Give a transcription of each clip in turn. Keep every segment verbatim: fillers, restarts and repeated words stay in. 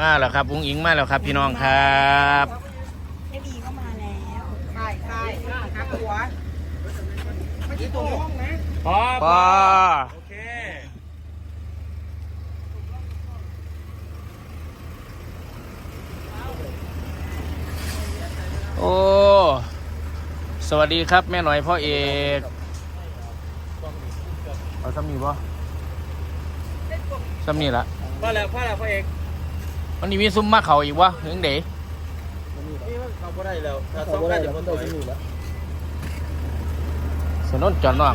มาแล้วครับอุ้งอิงมาแล้วครับพี่น้องครับเอบีก็มาแล้วใช่ใช่ครับหัวไม่ใช่ตัวห้องนะพอพอโอเคโอ้สวัสดีครับแม่หน่อยพ่อเอกเอาซ้ำนี่ป่ะซ้ำนี่ละพ่อแล้วพ่อแล้วพ่อเอกวันนี้มีซุ้มมาเขาอีกวะถึงเด๋นี่เขาก็ได้แล้วถ้าสองกันเดี๋ยวมันต่อยอยู่แล้วสนนจอดนอก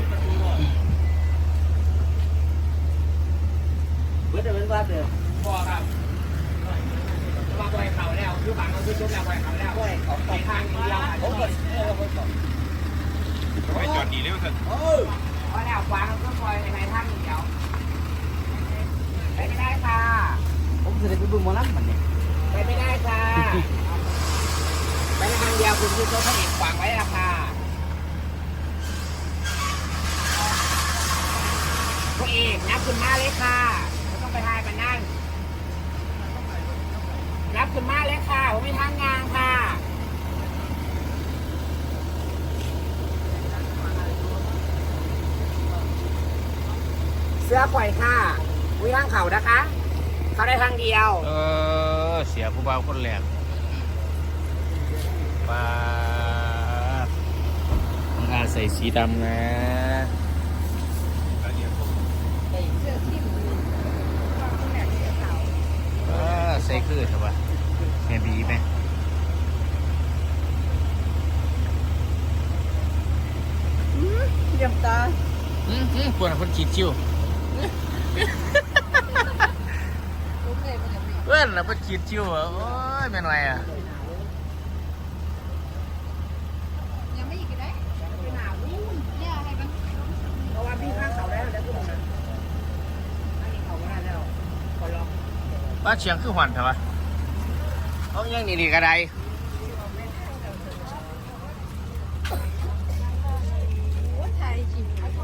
เบิร์ดเป็นบ้านเดียวพ่อครับมาปล่อยเขาแล้วคือบังเราคือชุบแล้วปล่อยเขาแล้วปล่อยเขาไปทางนี้แล้วผมก็เออผมก็ปล่อยจอดดีแล้วสิเออพอแล้ววางก็ปล่อยในทางนี้เดียวไปไม่ได้ค่ะผมจะได้ไปดูหมอลำมันเนี่ยไปไม่ได้ค่ะไปในทางเดียวคุณคือตัวพระเอกขวางไว้ละค่ะพระเอกนับคุณมาเลยค่ะไม่ต้องไปทายกันนั่นนับคุณมาเลยค่ะผมมีทางงานค่ะเสื้อปล่อยค่ะวิทางเขานะคะเขาได้ทางเดียวเออเสียผู้บ่าวคนแรกป้าต้องอาใส่สีดำนะใส่คือใช่ปะแม่บีไหมเยี่ยมตาอืมอืมปวดคนขีดชิวเพื่อนเราไปขีดชิวเหรอโอ้ยเป็นไรอ่ะยังไม่อีกได้ไปหาวิ่งเนี่ยอะไรกันเพราะว่าพี่ข้างเขาได้แล้วทุกคนนะอันนี้เขาไม่ได้แล้วขอลองป้าเชียงคือหวันใช่ปะเขายังนี่ดีกระไดไทยจริง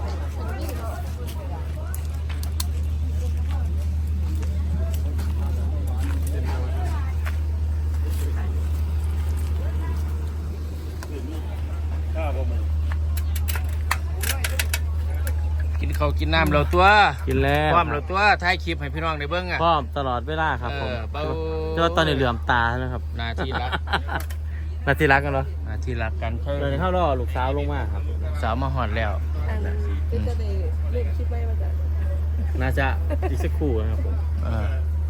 กินข้าวกินน้ำเราตัวกินแล้วพร้อมเราตัวถ่ายคลิปให้พี่น้องได้เบิ้งอ่ะพร้อมตลอดเวลาครับผมเจ้าตอนนี้เหลื่อมตาแล้วครับนาทีรักนาทีรักกันเหรอนาทีรักกันเดินเข้ารอลูกสาวลงมาครับสาวมาหอดแล้วก็จะได้เล่นคลิปไม่มาจากน่าจะอีกสักครู่นะครับผมเออ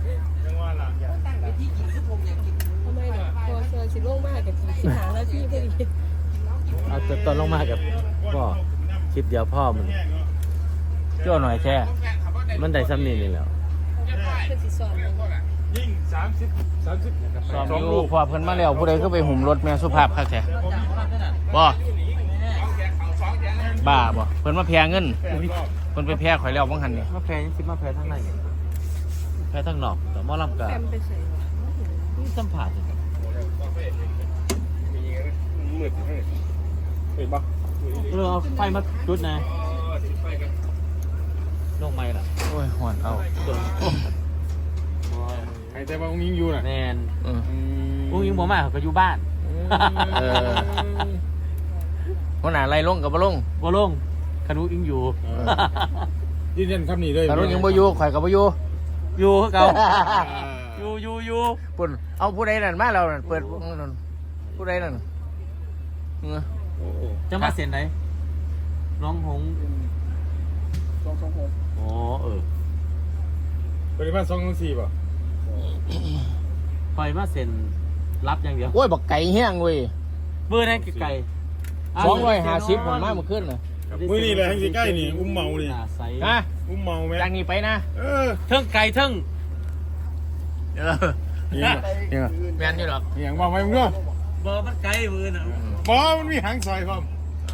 ทำไมเนี่ยพอเซอร์ชิโล่งมากกับสิหาแล้วพี่พอดีเอาตอนลงมากับพ่อคลิปเดียวพ่อมันเจ้าหน่อยแค่มันได้ซ้ำนี่นี่แล้วเป็นสีซ้อมยิ่งสามสิบสามสิบซ้อมลูกพอเพิ่นมาแล้วผู้ใดก็ไปหุ่มรถแม่สุภาพคักแท้บ่บ้าบ่เพิ่นมาแพงเงินเพิ่นไปแพงข่อยแล้วบังหันนี่มาแพ้ยังคิดมาแพ้ทั้งในแพ้ทั้งนอกแต่หม้อลำกานี่สัมผัสมืดเห็นปะเรือเอาไฟมาจุดนะลงไม่ล่ะโอ้ยหอนเอาไอ้แต่ว่าองค์ยิงอยู่น่ะแนนองค์ยิงผมมาเขาก็อยู่บ้านเออหัวหน้าไล่ลงกับบ่ลงบ่ลงคานุยิงอยู่ยืนยันคำนี้เลยคานุยิงบ่อยู่ข่อยกับบ่อยู่อยู่เก่าอยู่อยู่อยู่ปุ่นเอาผู้ใดนั่นมาแล้วนั่นเปิดผู้ใดนั่นจะมาเซ็นไหนน้องหงสองสองหกอ๋อเออปริมาณสองสองสี่ป่ะไฟมาเซ็นรับอย่างเดียวโอ้ยบักไก่แห้งเว้ยเบอร์นั่นไก่สองร้อยห้าสิบผมมาเมื่อคืนน่ะมือนี่เลยทั้งสี่ใกล้นี่อุ้มเมานี่ฮะอุ้มเมาไหมจากนี้ไปนะเออเทิงไก่เทิงเออเนี่ยแมนอยู่หรอกอย่างบอกไปมึงก็บอมันไก่มือน่ะบอมันมีหางซอยพร้อม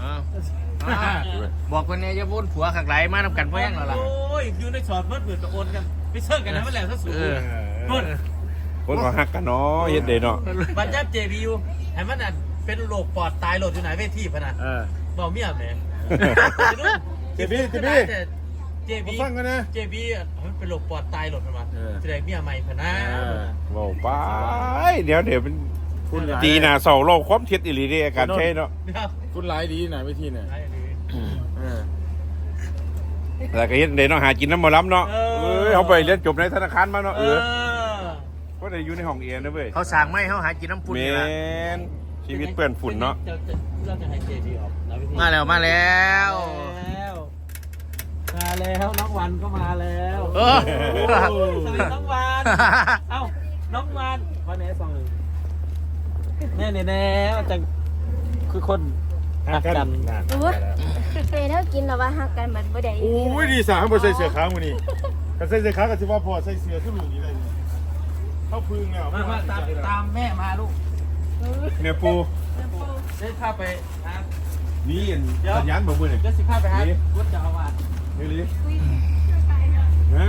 บอกคนนี้จะพูดผัวขักไหลมานำกันเพื่อนหรอล่ะโอ้ยอยู่ในช็อตเมื่อเปิดตะโกนกันไปเชิญกันนะเมื่อไหร่ถ้าสูงคนคนก็หักกันเนาะเฮ็ดเดย์เนาะบัญญัติเจบียูให้มันอ่ะเป็นโรคปอดตายโหลดอยู่ไหนเวทีพนันบอกเมียแม่เจบีเจบีเจบีเจบีมันเป็นโรคปอดตายโหลดมาแสดงเมียใหม่พนันบอกไปเดี๋ยวเดี๋ยวเป็นคุณหลายดีนะเสาเราความเท็จอิริเดอาการใช่เนาะคุณหลายดีนะวิธีเนี่ยเออแต่ก็เห็นเดี๋ยวเนาะหากินน้ำมาล้ำเนาะเอ้ยเขาไปเรียนจบในธนาคารมาเนาะเออก็ได้อยู่ในห้องเอียนนะเว้ยเขาสั่งไม่เขาหากินน้ำปุ่นเมนี่ละนชีวิตเปื้อนฝุ่นเนาะเราจะให้เจดีออกนะวิธีมาแล้วมาแล้วแล้วมาแล้วน้องวันก็มาแล้วเออโอ้สวัสดีน้องวันเอ้าน้องวันวันไหนสองหนึ่งแน่แน่แน่จะคือคนหักกันโอ้ยเฟยเท่ากินแล้วว่าหักกันมันบ่ได้โอ้ยดีสามบใส่เสื้อขาวมือนี่กันใส่เสื้อขาวกันสิว่าพอใส่เสื้อขึ้นหลุมนี้เลยเนี่ยเข้าพึ่งแล้วมามาตามตามแม่มาลูกเนี่ยปูเดินข้าไปหานี่สัญญาณบอกมือหน่อยเดินสิข้าไปหาวุฒิเจ้าอาวาสนี่ลิฮะ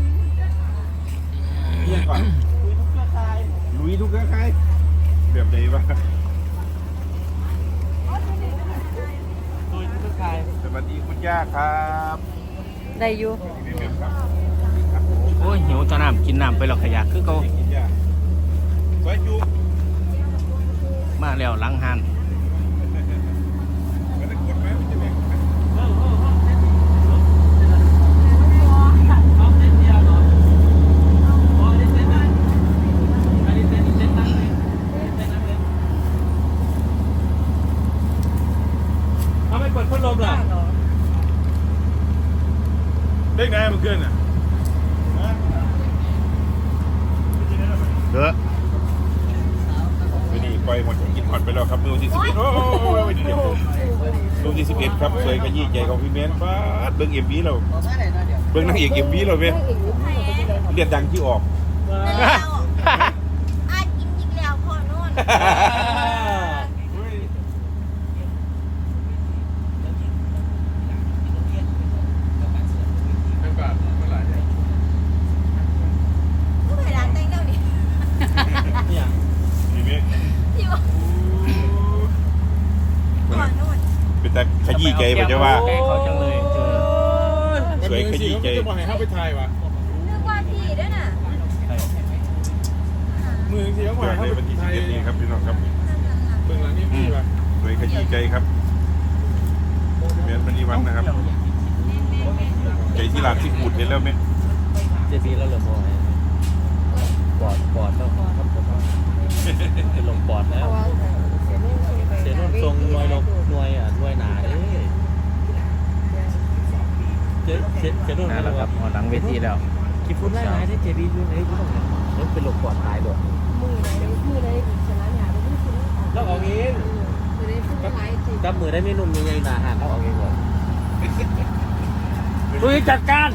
เรียกก่อนคุยทุกเครือข่ายลุยทุกเครือข่ายแบบไหนวะคุยทุกเครือข่ายสวัสดีคุณย่าครับได้อยู่พี่เบมครับโอ้ยหิวตอนน้ำกินน้ำไปหรอกขยะคือเขาคุณย่าสวยจุมาแล้วหลังหันไม่ได้กดไหมมันจะแบ่งไหมเออเออเออเส้นเอาเส้นเดียวเหรออ๋อนี่เส้นนั้นอันนี้เส้นเส้นนั้นเลยเส้นนั้นเลยเอาไม่เปิดพัดลมเหรอเด็กนายมันเกินอ่ะเด้อวันนี้ปล่อยหมดกินหมดไปแล้วครับมือที่สิบเอ็ดโอ้ยเดี๋ยวมือที่สิบเอ็ดครับสวยขยี้ใจของพี่เมนฟ้าดเบิ้งเอ็มวีเราเบิ้งนางเอกเอ็มวีเราเว้ยเรียกดังที่ออกอาจกินอีกแล้วพอโน่นเป็นบาทเมื่อไหร่เนี่ยก็ไปร้านแต่งเจ้าดิเนี่ยพี่เมนที่ว่าพอโน่นเป็นแต่ขยี้ใจมันจะว่าแกเขาจังเลยเจอสวยขยี้ใจจะบอกให้เข้าไปทายวะนึกว่าพี่ด้วยน่ะมือที่เขาบอกเกิดให้ในเข้าไปวันที่ไทสิบยเอ็ดนี้ครับพี่น้องครับเบื้องหลังนี่มีวะสวยขยี้ใจครับเมนมันนีวันนะครับใจที่ร้านที่ปูดเห็นแล้วไหมเจบีแล้วเหรอโมยปอดปอดแล้วครับผมเป็นลมปอดแล้วเสียนุ่นทรงนวยลงนวยอ่ะนวยหนาเอ้ยเจ๊เจ๊เจ๊นุ่นนั่นแหละครับพอหลังเวทีแล้วคิดพูดได้ไหมที่เจบีอยู่ไหนอยู่ตรงไหนแล้วเป็นลมปอดตายด้วยมือไหนมือไหนชนะหยาไปที่คุณแล้วเอาเองมือไหนพูดร้ายจริงจับมือได้ไม่นุ่มยังไงหนาหันแล้วเอาเองก่อนลุยจัดการ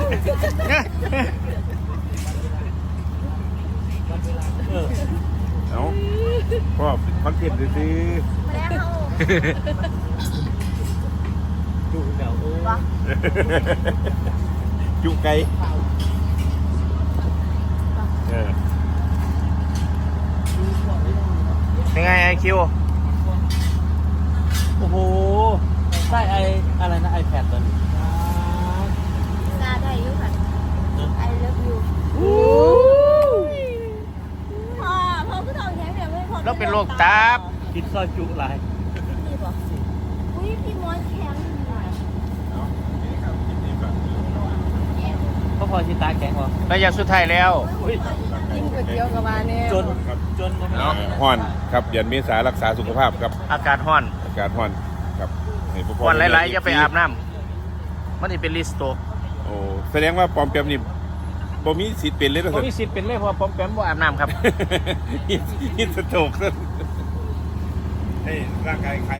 เออเอาพ่อคอนเทนต์ซื้อมาแล้วเขาดูเดี๋ยววะจุไก่เออเป็นไงไอคิวโอ้โหได้ไออะไรนะไอแพดตัวนี้ซาได้อยู่ค่ะ I love you พ่อพ่อคือทองแข็งแบบไม่พอแล้วเป็นโรคตับกินซอยจุหลายนี่ป่ะอุ้ยพี่มอนแข็งเพราะพอชิตาแข็งวะระยะสุดท้ายแล้วกินก๋วยเตี๋ยวกับมาเนี่ยจนจนเนาะฮ้อนครับเดือนเมษารักษาสุขภาพครับอากาศร้อนอากาศฮ้อนครับให้พ่อพ่อวันหลายๆอย่าไปอาบน้ำมันจะเป็นลิสโตกโอ้แสดงว่าปลอมแปลมนี่บ่มีสิทธิ์เป็นเลยนะผมสิมีสิทธิ์เป็นเลยเพราะว่าผมแปมบ่อาบน้ำครับฮิตสโตรกซะให้ร่างกาย